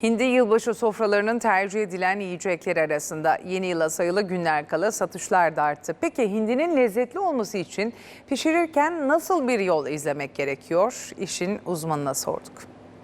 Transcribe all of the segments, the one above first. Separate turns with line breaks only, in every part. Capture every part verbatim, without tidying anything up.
Hindi yılbaşı sofralarının tercih edilen yiyecekler arasında yeni yıla sayılı günler kala satışlar da arttı. Peki hindinin lezzetli olması için pişirirken nasıl bir yol izlemek gerekiyor? İşin uzmanına sorduk.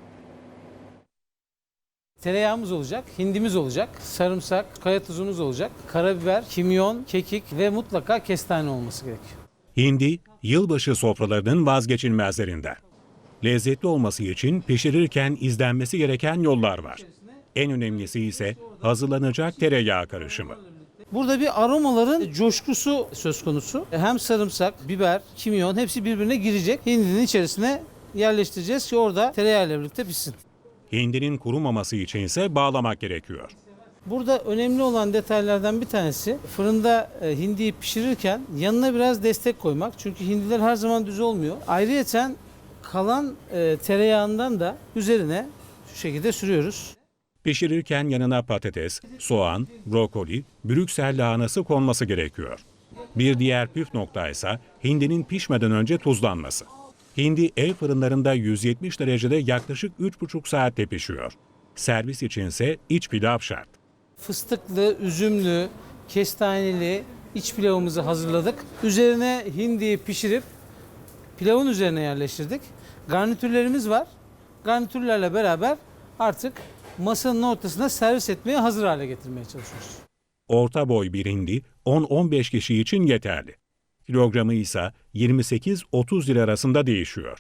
Tereyağımız olacak, hindimiz olacak, sarımsak, kaya tuzumuz olacak, karabiber, kimyon, kekik ve mutlaka kestane olması gerekiyor.
Hindi, yılbaşı sofralarının vazgeçilmezlerinden. Lezzetli olması için pişirirken izlenmesi gereken yollar var. En önemlisi ise hazırlanacak tereyağı karışımı.
Burada bir aromaların coşkusu söz konusu. Hem sarımsak, biber, kimyon hepsi birbirine girecek. Hindinin içerisine yerleştireceğiz ki orada tereyağıyla birlikte pişsin.
Hindinin kurumaması için ise bağlamak gerekiyor.
Burada önemli olan detaylardan bir tanesi fırında e, hindiyi pişirirken yanına biraz destek koymak. Çünkü hindiler her zaman düz olmuyor. Ayrıyeten kalan e, tereyağından da üzerine şu şekilde sürüyoruz.
Pişirirken yanına patates, soğan, brokoli, Brüksel lahanası konması gerekiyor. Bir diğer püf nokta ise hindinin pişmeden önce tuzlanması. Hindi ev fırınlarında yüz yetmiş derecede yaklaşık üç buçuk saatte pişiyor. Servis içinse iç pilav şart.
Fıstıklı, üzümlü, kestaneli iç pilavımızı hazırladık. Üzerine hindiyi pişirip pilavın üzerine yerleştirdik. Garnitürlerimiz var. Garnitürlerle beraber artık masanın ortasına servis etmeye hazır hale getirmeye çalışıyoruz.
Orta boy bir hindi on on beş kişi için yeterli. Kilogramı ise yirmi sekiz otuz lira arasında değişiyor.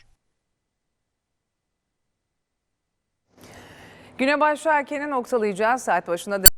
Güne başlarken noktalayacağız. Saat başında